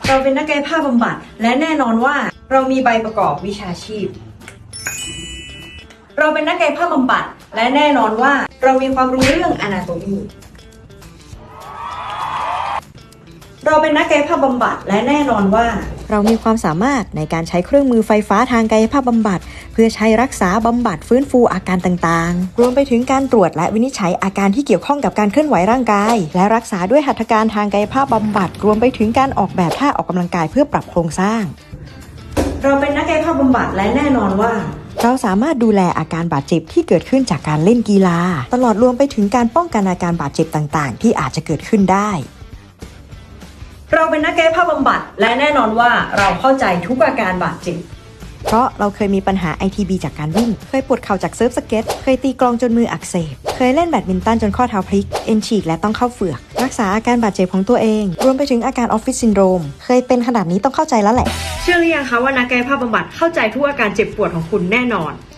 เราเป็นนักกายภาพบำบัดและแน่นอนว่าเรามีใบประกอบวิชาชีพเราเป็นนักกายภาพบำบัดและแน่นอนว่าเรามีความรู้เรื่อง Anatomy เราเป็นนักกายภาพบำบัดและแน่นอนว่าเรามีความสามารถในการใช้เครื่องมือไฟฟ้าทางกายภาพบำบัดเพื่อใช้รักษาบำบัดฟื้นฟูอาการต่างๆรวมไปถึงการตรวจและวินิจฉัยอาการที่เกี่ยวข้องกับการเคลื่อนไหวร่างกายและรักษาด้วยหัตถการทางกายภาพบำบัดรวมไปถึงการออกแบบท่าออกกำลังกายเพื่อปรับโครงสร้างเราเป็นนักกายภาพบำบัดและแน่นอนว่าเราสามารถดูแลอาการบาดเจ็บที่เกิดขึ้นจากการเล่นกีฬาตลอดรวมไปถึงการป้องกันอาการบาดเจ็บต่างๆที่อาจจะเกิดขึ้นได้เราเป็นนักกายภาพบำบัดและแน่นอนว่าเราเข้าใจทุกอาการบาดเจ็บเพราะเราเคยมีปัญหา ITB จากการวิ่งเคยปวดเข่าจากเซิร์ฟสเก็ตเคยตีกลองจนมืออักเสบเคยเล่นแบดมินตันจนข้อเท้าพลิกเอ็นฉีกและต้องเข้าเฝือกรักษาอาการบาดเจ็บของตัวเองรวมไปถึงอาการออฟฟิศซินโดรมเคยเป็นขนาดนี้ต้องเข้าใจแล้วแหละเชื่อหรือยังคะว่านักกายภาพบำบัดเข้าใจทุกอาการเจ็บปวดของคุณแน่นอน